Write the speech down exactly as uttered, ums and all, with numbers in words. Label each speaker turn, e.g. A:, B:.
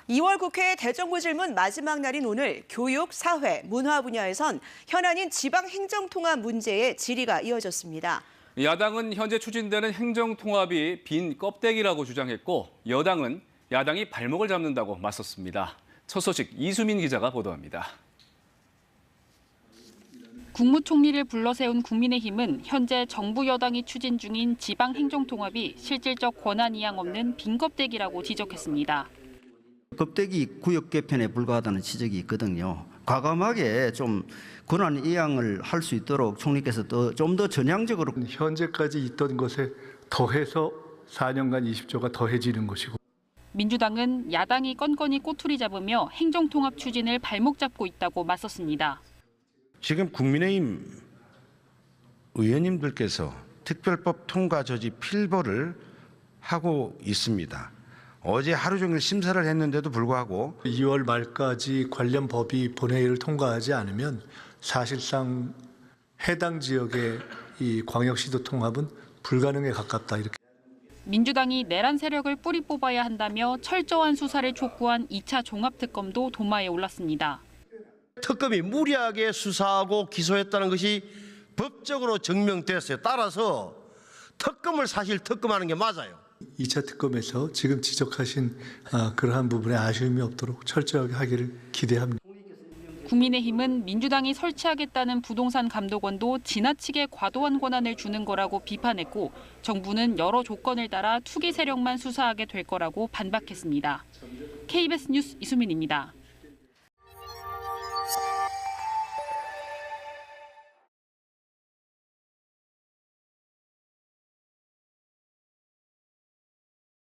A: 이월 국회 대정부질문 마지막 날인 오늘 교육, 사회, 문화 분야에선 현안인 지방행정통합 문제의 질의가 이어졌습니다.
B: 야당은 현재 추진되는 행정통합이 빈 껍데기라고 주장했고 여당은 야당이 발목을 잡는다고 맞섰습니다. 첫 소식 이수민 기자가 보도합니다.
C: 국무총리를 불러세운 국민의힘은 현재 정부 여당이 추진 중인 지방행정통합이 실질적 권한 이양 없는 빈 껍데기라고 지적했습니다.
D: 껍데기 구역 개편에 불과하다는 지적이 있거든요. 과감하게 좀 권한 이양을 할 수 있도록 총리께서 좀 더 전향적으로
E: 현재까지 있던 것에 더해서 사 년간 이십 조가 더해지는 것이고.
C: 민주당은 야당이 건건히 꼬투리 잡으며 행정통합 추진을 발목 잡고 있다고 맞섰습니다.
F: 지금 국민의힘 의원님들께서 특별법 통과 저지 필보를 하고 있습니다. 어제 하루 종일 심사를 했는데도 불구하고
E: 이월 말까지 관련 법이 본회의를 통과하지 않으면 사실상 해당 지역의 이 광역시도 통합은 불가능에 가깝다 이렇게.
C: 민주당이 내란 세력을 뿌리 뽑아야 한다며 철저한 수사를 촉구한 이 차 종합특검도 도마에 올랐습니다.
G: 특검이 무리하게 수사하고 기소했다는 것이 법적으로 증명됐어요. 따라서 특검을 사실 특검하는 게 맞아요.
E: 이 차 특검에서 지금 지적하신 그러한 부분에 아쉬움이 없도록 철저하게 하기를 기대합니다.
C: 국민의힘은 민주당이 설치하겠다는 부동산 감독원도 지나치게 과도한 권한을 주는 거라고 비판했고 정부는 여러 조건을 따라 투기 세력만 수사하게 될 거라고 반박했습니다. 케이비에스 뉴스 이수민입니다.